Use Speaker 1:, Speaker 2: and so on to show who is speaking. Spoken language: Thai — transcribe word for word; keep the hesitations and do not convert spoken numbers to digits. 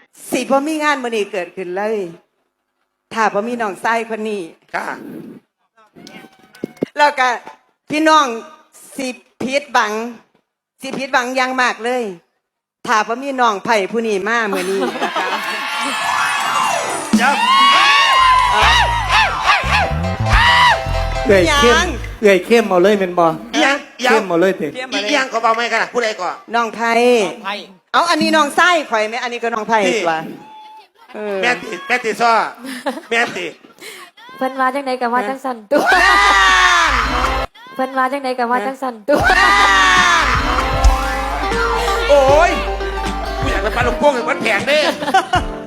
Speaker 1: สิบ่มีงานมื้อนี้เกิดขึ้นเลยถ้าบ่มีน้องชายคนนี้
Speaker 2: ค่ะ
Speaker 1: แล้วก็พี่น้องสิผิดหวังสิผิดหวังอย่างมากเลยถ้าบ่มีน้องไผ่ผู้นี้มามื้อนี้นะคะ
Speaker 2: เดี๋ยว
Speaker 3: เอื่อยเข้มเอื่อยเข้มเอาเลยเป็นบอ
Speaker 2: อีหยังอีหยัง
Speaker 3: เข้มเอาเลยติ
Speaker 1: เตรียม
Speaker 2: อี
Speaker 1: มาเลย
Speaker 2: หยังก็เบาไม่กันนะผู้ใดก่อน
Speaker 1: น้องไผ่
Speaker 4: ไพ่
Speaker 1: เอาอันนี้น้องไส้ข่อยไหมอันนี้ก็น้องไผ่
Speaker 2: พี่
Speaker 1: ตัวเออ
Speaker 2: แม่ติแม่ติซ้อแม่ติ
Speaker 5: เพิ่นว่าจังไดกับว่าจังสั่นตัวเพิ่นว่าจังไดกับว่าจังสั่นตัว
Speaker 2: โอ้ยกูอยากจะปลาลูกโป่งถึงมันแข็งเด้